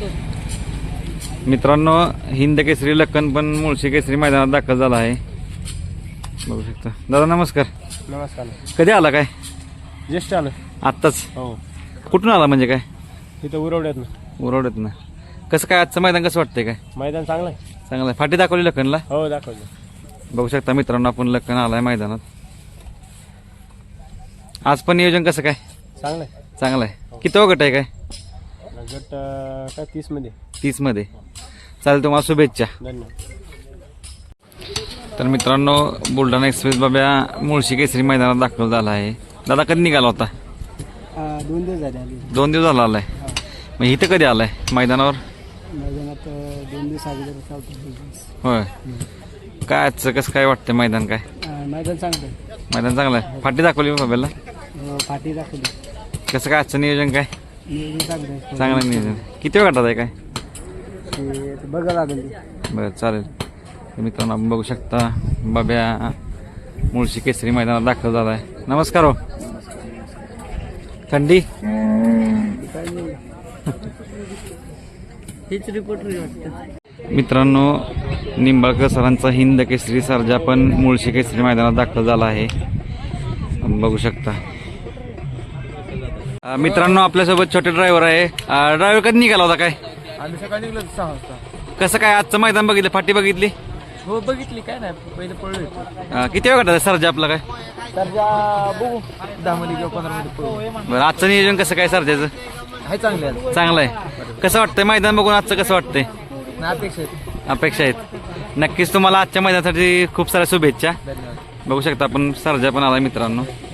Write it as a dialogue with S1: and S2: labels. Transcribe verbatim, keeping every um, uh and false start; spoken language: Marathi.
S1: मित्रांनो हिंद केसरी लक्कन पण मुळशी केसरी मैदानात दाखल झाला आहे, बघू शकता. दादा नमस्कार.
S2: नमस्कार.
S1: कधी आला काय?
S2: ज्येष्ठ आलं
S1: आत्ताच.
S2: हो.
S1: कुठून आला म्हणजे काय?
S2: तिथं उरवड्यात ना.
S1: उरवड्यात ना. कसं काय आजचं मैदान कसं वाटतंय? काय
S2: मैदान चांगलं आहे.
S1: चांगलं आहे. फाटी दाखवली लक्कनला?
S2: हो दाखवलं.
S1: बघू शकता मित्रांनो आपण लक्कन आलाय मैदानात. आज पण नियोजन कसं काय?
S2: चांगलं आहे.
S1: चांगलं आहे. किती गट आहे काय?
S2: गट अं, काय तीस मध्ये.
S1: तीस मध्ये. चालेल, तुम्हाला शुभेच्छा.
S2: धन्यवाद.
S1: तर मित्रांनो बुलढाणा एक्सप्रेस बाब्या मुळशी केसरी मैदानात दाखल झाला आहे. दादा कधी निघाला होता?
S2: दोन दिवस झाले आली.
S1: दोन दिवस झाला आलाय. मग इथं कधी आलाय मैदानावर?
S2: मैदानात दोन दिवस अगोदर चालतो.
S1: होय. काय आजचं कसं काय वाटतं मैदान? काय
S2: मैदान चांगलं आहे.
S1: मैदान चांगलं आहे. फाटी दाखवली बाब्याला?
S2: पाठी दाखवली.
S1: कसं काय आजचं नियोजन? काय
S2: चांगलं आहे.
S1: चांगलं नियोजन. किती वेळ गटात आहे काय?
S2: बघा लागेल.
S1: बरं चालेल. तर मित्रांनो आपण बघू शकता बाब्या मुळशी केसरी मैदानात दाखल झाला आहे. नमस्कार. हो थंडी
S2: हेच रिपोर्टर.
S1: मित्रांनो निंबाळकर सरांचा हिंद केसरी सर्जा पण मुळशी केसरी मैदानात दाखल झाला आहे, बघू शकता. अं, मित्रांनो आपल्यासोबत छोटे ड्रायव्हर आहे. ड्रायव्हर कधी निघाला होता? काय
S2: आम्ही सकाळी निघलो सहा वाजता.
S1: कसं काय आजचं मैदान बघितलं? फाटी बघितली?
S2: हो बघितली. काय नाही पहिले पळलो होतो.
S1: अं, किती वेळ गटात सर्जा आपला? काय
S2: तर बघू दहा मध्ये किंवा पंधरा मध्ये पळू.
S1: बरं आजचं नियोजन कसं काय सर्जाचं?
S2: आहे चांगले आहे.
S1: चांगलं आहे. कसं वाटतंय मैदान बघून आजचं? कसं वाटतंय?
S2: अपेक्षा आहेत.
S1: अपेक्षा आहेत. नक्कीच तुम्हाला आजच्या मैदानासाठी खूप साऱ्या शुभेच्छा.
S2: धन्यवाद.
S1: बघू शकता आपण सर्जा पण आला मित्रांनो.